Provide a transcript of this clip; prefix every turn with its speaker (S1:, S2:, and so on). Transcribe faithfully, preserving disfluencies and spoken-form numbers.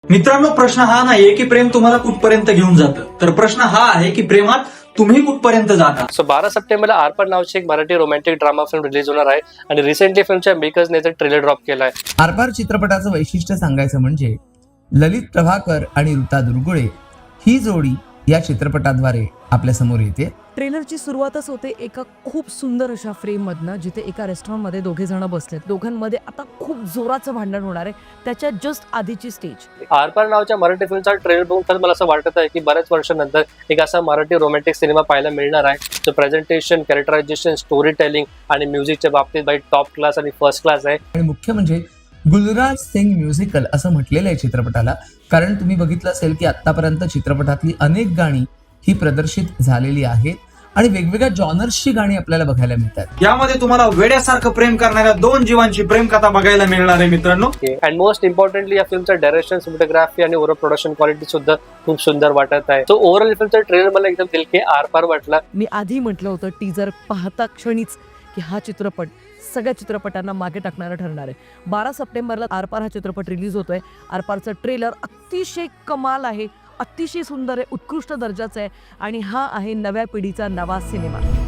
S1: मित्रांनो, प्रश्न हा नाहीये की प्रेम तुम्हाला कुठपर्यंत घेऊन जातं, तर प्रश्न हा आहे की प्रेमात तुम्ही कुठपर्यंत जाता.
S2: सो बारा सप्टेंबरला आरपार नावाची एक Marathi romantic drama film release होणार आहे आणि रिसेंटली फिल्मच्या मेकर्सने ट्रेलर ड्रॉप केलाय.
S3: आरपार चित्रपटाचं वैशिष्ट्य सांगायचं म्हणजे ललित प्रभाकर आणि ऋता दुर्गुळे ही जोडी या चित्रपटाद्वारे आपल्या समोर येते.
S4: ट्रेलरची सुरुवातच होते एका खूप सुंदर अशा फ्रेम मधनं, जिथे एका रेस्टॉरंटमध्ये दोघे जण बसलेत. दोघांमध्ये आता खूप जोराचं भांडण होणार आहे. त्याच्या जस्ट आधीची स्टेज.
S2: आरपार नावाच्या मराठी फिल्मचा ट्रेलर बघून तर मला असं वाटत आहे की बऱ्याच वर्षानंतर एक असा मराठी रोमॅन्टिक सिनेमा पाहायला मिळणार आहे. जो प्रेझेंटेशन, कॅरेक्टरायझेशन, स्टोरी टेलिंग आणि म्युझिकच्या बाबतीत बाई टॉप क्लास आणि फर्स्ट क्लास आहे.
S3: आणि मुख्य म्हणजे गुलराज सिंग म्युझिकल असं म्हटलेलं आहे चित्रपटाला. कारण तुम्ही बघितलं असेल की आतापर्यंत चित्रपटातली अनेक गाणी ही प्रदर्शित झालेली आहेत आणि वेगवेगळ्या जॉनर्सची गाणी आपल्याला बघायला मिळतात.
S1: यामध्ये तुम्हाला वेड्यासारखं प्रेम करणाऱ्या दोन जीवांची प्रेम कथा बघायला मिळणार आहे मित्रांनो.
S2: अँड मोस्ट इम्पॉर्टंटली या फिल्मचा डायरेक्शन, सिनेमॅटोग्राफी आणि ओव्हरऑल प्रोडक्शन क्वालिटी सुद्धा खूप सुंदर वाटत आहे. सो ओव्हरऑल फिल्मचा ट्रेलर मला एकदम दिल के आरपार वाटला.
S4: मी आधी म्हटलं होतं टीजर पाहता क्षणीच की हा चित्रपट सगळ्या चित्रपटांना मागे टाकणारा ठरणार आहे. बारा सप्टेंबरला आरपार हा चित्रपट रिलीज होतोय. आरपारचं ट्रेलर अतिशय कमाल आहे, अतिशय सुंदर आहे, उत्कृष्ट दर्जाचं आहे आणि हा आहे नव्या पिढीचा नवा सिनेमा.